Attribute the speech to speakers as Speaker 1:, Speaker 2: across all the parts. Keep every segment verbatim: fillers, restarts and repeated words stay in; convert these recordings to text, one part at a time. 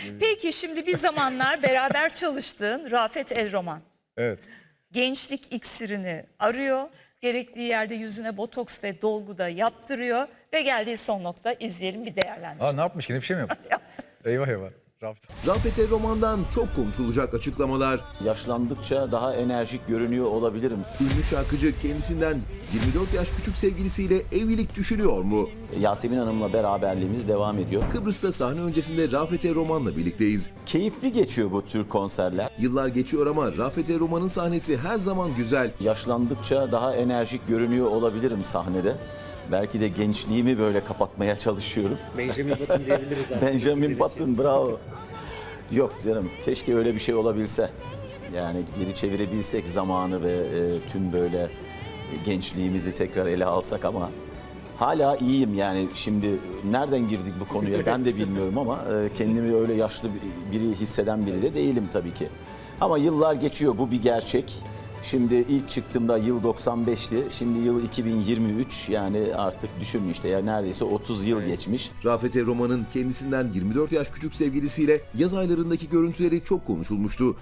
Speaker 1: Peki şimdi bir zamanlar beraber çalıştığın Rafet El Roman.
Speaker 2: Evet.
Speaker 1: Gençlik iksirini arıyor. Gerektiği yerde yüzüne botoks ve dolgu da yaptırıyor. Ve geldiği son nokta, izleyelim bir değerlendirelim.
Speaker 2: Aa, ne yapmış ki? Ne bir şey mi yapmış? Eyvah eyvah. Rafet.
Speaker 3: Rafet El Roman'dan çok konuşulacak açıklamalar.
Speaker 4: Yaşlandıkça daha enerjik görünüyor olabilirim.
Speaker 3: Ünlü şarkıcı kendisinden yirmi dört yaş küçük sevgilisiyle evlilik düşünüyor mu?
Speaker 4: Yasemin Hanım'la beraberliğimiz devam ediyor.
Speaker 3: Kıbrıs'ta sahne öncesinde Rafet El Roman'la birlikteyiz.
Speaker 4: Keyifli geçiyor bu tür konserler.
Speaker 3: Yıllar geçiyor ama Rafet El Roman'ın sahnesi her zaman güzel.
Speaker 4: Yaşlandıkça daha enerjik görünüyor olabilirim sahnede. Belki de gençliğimi böyle kapatmaya çalışıyorum.
Speaker 5: Benjamin Button diyebiliriz aslında.
Speaker 4: Benjamin Button, bravo. Yok canım, keşke öyle bir şey olabilse. Yani geri çevirebilsek zamanı ve e, tüm böyle gençliğimizi tekrar ele alsak ama hala iyiyim yani. Şimdi nereden girdik bu konuya ben de bilmiyorum ama e, kendimi öyle yaşlı biri hisseden biri de değilim tabii ki. Ama yıllar geçiyor, bu bir gerçek. Şimdi ilk çıktığımda yıl doksan beşti, şimdi yıl iki bin yirmi üç, yani artık düşünün işte ya, neredeyse otuz yıl geçmiş.
Speaker 3: Rafet El Roman'ın kendisinden yirmi dört yaş küçük sevgilisiyle yaz aylarındaki görüntüleri çok konuşulmuştu.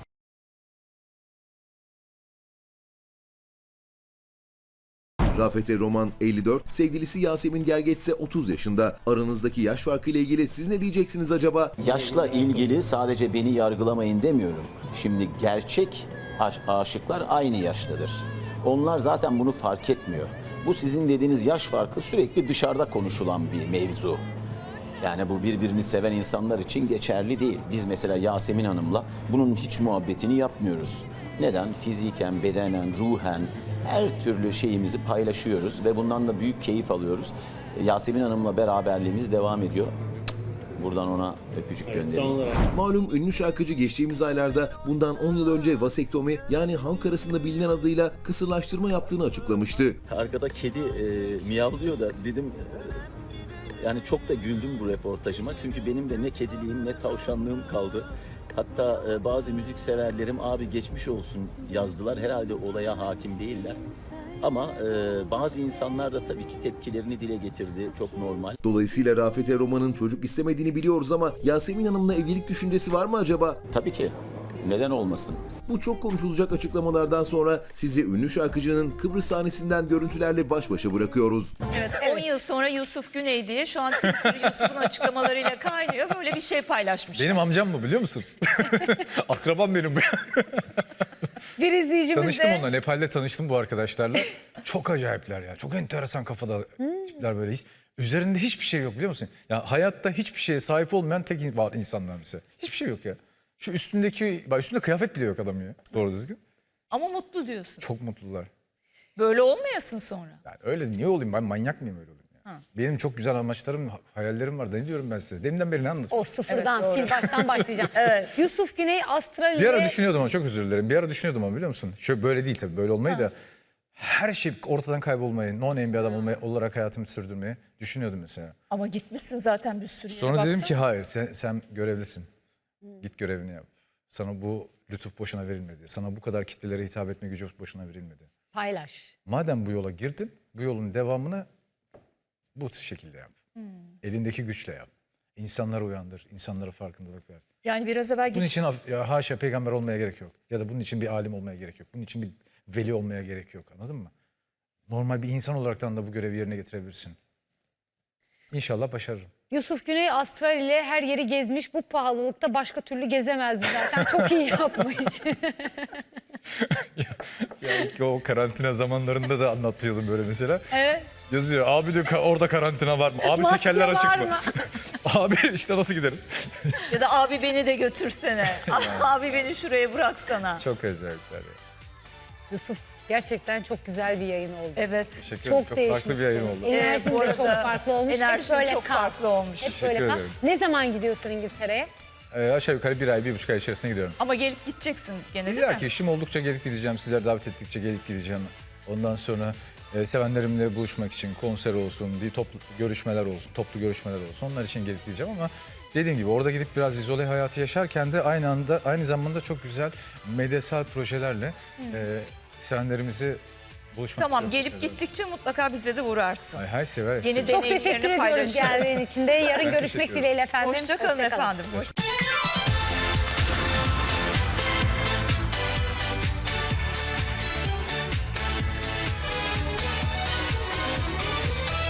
Speaker 3: Rafet El Roman elli dört, sevgilisi Yasemin Gergeç ise otuz yaşında. Aranızdaki yaş farkı ile ilgili siz ne diyeceksiniz acaba?
Speaker 4: Yaşla ilgili sadece beni yargılamayın demiyorum. Şimdi gerçek aş- aşıklar aynı yaştadır. Onlar zaten bunu fark etmiyor. Bu sizin dediğiniz yaş farkı sürekli dışarıda konuşulan bir mevzu. Yani bu birbirini seven insanlar için geçerli değil. Biz mesela Yasemin Hanım'la bunun hiç muhabbetini yapmıyoruz. Neden? Fiziken, bedenen, ruhen her türlü şeyimizi paylaşıyoruz ve bundan da büyük keyif alıyoruz. Yasemin Hanım'la beraberliğimiz devam ediyor. Buradan ona öpücük
Speaker 5: Evet, son
Speaker 4: göndereyim.
Speaker 5: olarak.
Speaker 3: Malum ünlü şarkıcı geçtiğimiz aylarda bundan on yıl önce vasektomi, yani halk arasında bilinen adıyla kısırlaştırma yaptığını açıklamıştı.
Speaker 4: Arkada kedi e, miyavlıyor da dedim e, yani çok da güldüm bu röportajıma. Çünkü benim de ne kediliğim ne tavşanlığım kaldı. Hatta e, bazı müzik severlerim abi geçmiş olsun yazdılar. Herhalde olaya hakim değiller. Ama e, bazı insanlar da tabii ki tepkilerini dile getirdi. Çok normal.
Speaker 3: Dolayısıyla Rafet El Roman'ın çocuk istemediğini biliyoruz ama Yasemin Hanım'la evlilik düşüncesi var mı acaba?
Speaker 4: Tabii ki. Neden olmasın?
Speaker 3: Bu çok konuşulacak açıklamalardan sonra sizi ünlü şarkıcının Kıbrıs sahnesinden görüntülerle baş başa bırakıyoruz.
Speaker 1: Evet, on yıl sonra Yusuf Güney diye şu an Twitter Yusuf'un açıklamalarıyla kaynıyor. Böyle bir şey paylaşmış.
Speaker 2: Benim amcam bu, biliyor musunuz? Akrabam benim bu.
Speaker 6: Bir izleyicimiz
Speaker 2: Tanıştım
Speaker 6: de
Speaker 2: onunla. Nepal'de tanıştım bu arkadaşlarla. Çok acayipler ya. Çok enteresan kafada tipler böyle. Hiç, üzerinde hiçbir şey yok, biliyor musun? Ya hayatta hiçbir şeye sahip olmayan tek var insanlar mesela. Hiçbir şey yok ya. Şu üstündeki, bak üstünde kıyafet bile yok adam ya. Doğru düzgün.
Speaker 1: Ama mutlu diyorsun.
Speaker 2: Çok mutlular.
Speaker 1: Böyle olmayasın sonra.
Speaker 2: Yani öyle niye olayım, ben manyak mıyım öyle olayım ya?
Speaker 1: Ha.
Speaker 2: Benim çok güzel amaçlarım, hayallerim var. Ne diyorum ben size? Deminden beri ne anlatıyorum?
Speaker 6: o sıfırdan
Speaker 1: Evet, doğru.
Speaker 6: sil baştan başlayacağım. Yusuf Güney Astral'de
Speaker 2: Bir ara düşünüyordum ama çok özür dilerim. Bir ara düşünüyordum ama biliyor musun? Şöyle böyle değil tabii, böyle olmayı da her şey ortadan kaybolmayı, no name bir adam olmayı, olarak hayatımı sürdürmeyi düşünüyordum mesela.
Speaker 1: Ama gitmişsin zaten bir sürü yere.
Speaker 2: Sonra dedim
Speaker 1: baksana.
Speaker 2: ki hayır, sen, sen görevlisin. Git görevini yap. Sana bu lütuf boşuna verilmedi. Sana bu kadar kitlelere hitap etme gücü boşuna verilmedi.
Speaker 6: paylaş.
Speaker 2: Madem bu yola girdin, bu yolun devamını bu şekilde yap. Elindeki güçle yap. İnsanları uyandır, insanlara farkındalık ver.
Speaker 1: Yani biraz evvel
Speaker 2: Bunun
Speaker 1: git.
Speaker 2: için af- ya haşa peygamber olmaya gerek yok. Ya da bunun için bir alim olmaya gerek yok. Bunun için bir veli olmaya gerek yok. Anladın mı? Normal bir insan olaraktan da bu görevi yerine getirebilirsin. İnşallah başarırım.
Speaker 6: Yusuf Güney Astral ile her yeri gezmiş. Bu pahalılıkta başka türlü gezemezdi zaten. Çok iyi yapmış.
Speaker 2: Ya ilk o karantina zamanlarında da anlatıyordum böyle mesela.
Speaker 6: Evet.
Speaker 2: Yazıyor abi diyor, "ka- orada karantina var mı? Abi
Speaker 6: Maske
Speaker 2: tekerler açık
Speaker 6: var
Speaker 2: mı?
Speaker 6: mı?
Speaker 2: Abi işte nasıl gideriz?
Speaker 1: Ya da abi beni de götürsene. Abi beni şuraya bıraksana.
Speaker 2: Çok acayipler ya.
Speaker 6: Yusuf gerçekten çok güzel bir yayın oldu.
Speaker 1: Evet.
Speaker 2: Teşekkür ederim.
Speaker 6: Çok
Speaker 2: Çok
Speaker 6: değişmişsin.
Speaker 2: farklı bir yayın oldu.
Speaker 6: Enerjin
Speaker 1: Ee, bu
Speaker 6: de çok
Speaker 1: arada
Speaker 6: farklı olmuş. Hep
Speaker 1: enerjin
Speaker 6: böyle
Speaker 1: çok
Speaker 6: kal.
Speaker 1: farklı olmuş.
Speaker 6: Hep böyle
Speaker 2: Teşekkür
Speaker 6: kal.
Speaker 2: ederim.
Speaker 6: Ne zaman gidiyorsun İngiltere'ye?
Speaker 2: Ee, aşağı yukarı bir ay, bir buçuk ay içerisinde gidiyorum.
Speaker 1: Ama gelip gideceksin gene değil
Speaker 2: İlla
Speaker 1: mi?
Speaker 2: ki işim oldukça gelip gideceğim. Sizler davet ettikçe gelip gideceğim. Ondan sonra e, sevenlerimle buluşmak için konser olsun, bir toplu görüşmeler olsun, toplu görüşmeler olsun. Onlar için gelip gideceğim ama dediğim gibi orada gidip biraz izole hayatı yaşarken de aynı anda aynı zamanda çok güzel medyasal projelerle e, sevenlerimizi buluşmak
Speaker 1: Tamam,
Speaker 2: istiyorum.
Speaker 1: gelip gittikçe mutlaka bize de uğrarsın.
Speaker 2: Ay, hay sever.
Speaker 1: Yeni
Speaker 2: sever.
Speaker 1: de-
Speaker 6: Çok
Speaker 1: Deneyimlerini
Speaker 6: teşekkür ediyoruz
Speaker 1: paylaşırız.
Speaker 6: geldiğin için de. Yarın
Speaker 2: Ben
Speaker 6: görüşmek
Speaker 2: teşekkür ederim.
Speaker 6: dileğiyle efendim.
Speaker 1: Hoşça kalın
Speaker 6: Hoşça kalın.
Speaker 1: efendim. Hoşça-